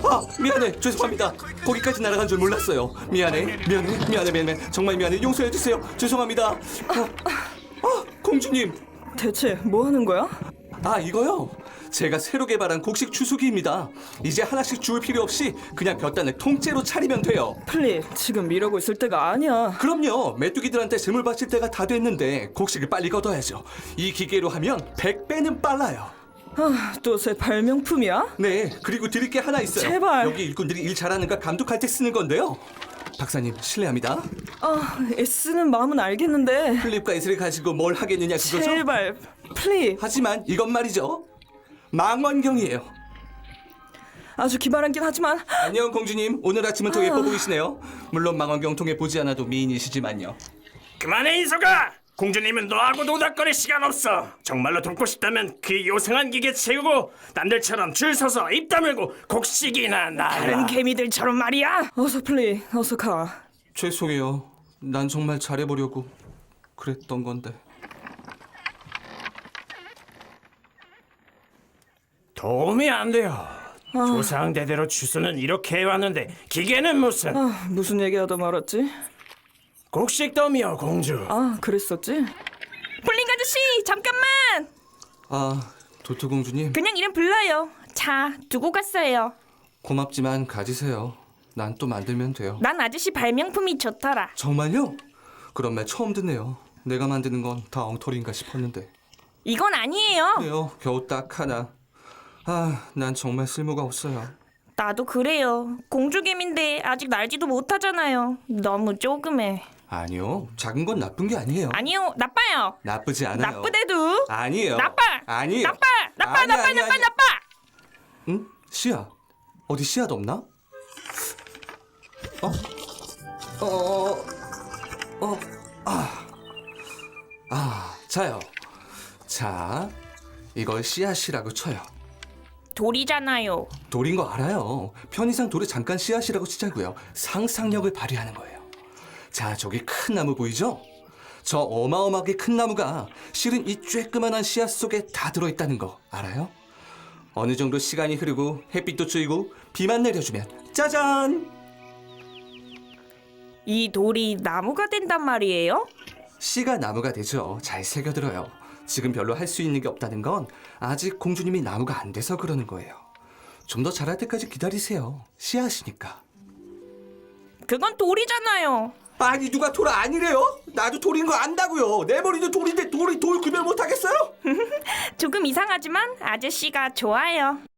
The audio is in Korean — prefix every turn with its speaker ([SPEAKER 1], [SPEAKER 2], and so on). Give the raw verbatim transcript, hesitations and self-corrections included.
[SPEAKER 1] 아, 미안해. 죄송합니다. 거기까지 날아간 줄 몰랐어요. 미안해. 미안해. 미안해. 미안해. 정말 미안해. 용서해 주세요. 죄송합니다. 어, 아, 공주님.
[SPEAKER 2] 대체 뭐 하는 거야?
[SPEAKER 1] 아, 이거요. 제가 새로 개발한 곡식 주수기입니다. 이제 하나씩 주울 필요 없이 그냥 볕단을 통째로 차리면 돼요.
[SPEAKER 2] 플리, 지금 이러고 있을 때가 아니야.
[SPEAKER 1] 그럼요. 메뚜기들한테 재물 바칠 때가 다 됐는데 곡식을 빨리 걷어야죠. 이 기계로 하면 백 배는 빨라요.
[SPEAKER 2] 아, 또 새 발명품이야?
[SPEAKER 1] 네, 그리고 드릴 게 하나 있어요.
[SPEAKER 2] 제발.
[SPEAKER 1] 여기 일꾼들이 일 잘하는가 감독할 때 쓰는 건데요. 박사님, 실례합니다.
[SPEAKER 2] 아, 애쓰는 마음은 알겠는데.
[SPEAKER 1] 플립과 이슬을 가지고 뭘 하겠느냐 그거죠?
[SPEAKER 2] 제발, 플리.
[SPEAKER 1] 하지만 이건 말이죠. 망원경이에요.
[SPEAKER 2] 아주 기발하긴 하지만.
[SPEAKER 1] 안녕 공주님. 오늘 아침은 더 예뻐 보이시네요. 물론 망원경 통해 보지 않아도 미인이시지만요.
[SPEAKER 3] 그만해 이소가! 공주님은 너하고 노닥거릴 시간 없어. 정말로 돕고 싶다면 그 요상한 기계 채우고 남들처럼 줄 서서 입 다물고 곡식이나 나라.
[SPEAKER 2] 다른 개미들처럼 말이야. 어서 플리, 어서 가.
[SPEAKER 1] 죄송해요. 난 정말 잘해보려고 그랬던 건데.
[SPEAKER 3] 도움이 안 돼요. 조상대대로 주스는 이렇게 해왔는데 기계는 무슨.
[SPEAKER 2] 아, 무슨 얘기하다 말았지?
[SPEAKER 3] 곡식 더미요 공주.
[SPEAKER 2] 아, 그랬었지?
[SPEAKER 4] 볼링 아저씨 잠깐만.
[SPEAKER 1] 아, 도토 공주님.
[SPEAKER 4] 그냥 이름 불러요. 자, 두고 갔어요.
[SPEAKER 1] 고맙지만 가지세요. 난 또 만들면 돼요.
[SPEAKER 4] 난 아저씨 발명품이 좋더라.
[SPEAKER 1] 정말요? 그런 말 처음 듣네요. 내가 만드는 건 다 엉터리인가 싶었는데.
[SPEAKER 4] 이건 아니에요.
[SPEAKER 1] 그래요. 겨우 딱 하나. 아, 난 정말 쓸모가 없어요.
[SPEAKER 4] 나도 그래요. 공주개미인데 아직 날지도 못하잖아요. 너무 조그매.
[SPEAKER 1] 아니요. 작은 건 나쁜 게 아니에요.
[SPEAKER 4] 아니요, 나빠요.
[SPEAKER 1] 나쁘지 않아요.
[SPEAKER 4] 나쁘대도.
[SPEAKER 1] 아니에요.
[SPEAKER 4] 나빠.
[SPEAKER 1] 아니에요.
[SPEAKER 4] 나빠. 나빠.
[SPEAKER 1] 아니,
[SPEAKER 4] 나빠.
[SPEAKER 1] 아니,
[SPEAKER 4] 나빠.
[SPEAKER 1] 아니.
[SPEAKER 4] 나빠.
[SPEAKER 1] 응? 씨앗. 어디 씨앗 없나? 어? 어? 어? 어? 아. 아, 자요. 자, 이걸 씨앗이라고 쳐요.
[SPEAKER 4] 돌이잖아요.
[SPEAKER 1] 돌인 거 알아요. 편의상 돌에 잠깐 씨앗이라고 치자고요. 상상력을 발휘하는 거예요. 자, 저기 큰 나무 보이죠? 저 어마어마하게 큰 나무가 실은 이 쬐끄만한 씨앗 속에 다 들어있다는 거 알아요? 어느 정도 시간이 흐르고 햇빛도 쬐고 비만 내려주면 짜잔!
[SPEAKER 4] 이 돌이 나무가 된단 말이에요?
[SPEAKER 1] 씨가 나무가 되죠. 잘 새겨들어요. 지금 별로 할 수 있는 게 없다는 건 아직 공주님이 나무가 안 돼서 그러는 거예요. 좀 더 자랄 때까지 기다리세요. 씨앗이니까.
[SPEAKER 4] 그건 돌이잖아요.
[SPEAKER 1] 아니 누가 돌 아니래요? 나도 돌인 거 안다고요. 내 머리도 돌인데 돌이 돌 구별 못하겠어요?
[SPEAKER 4] 조금 이상하지만 아저씨가 좋아요.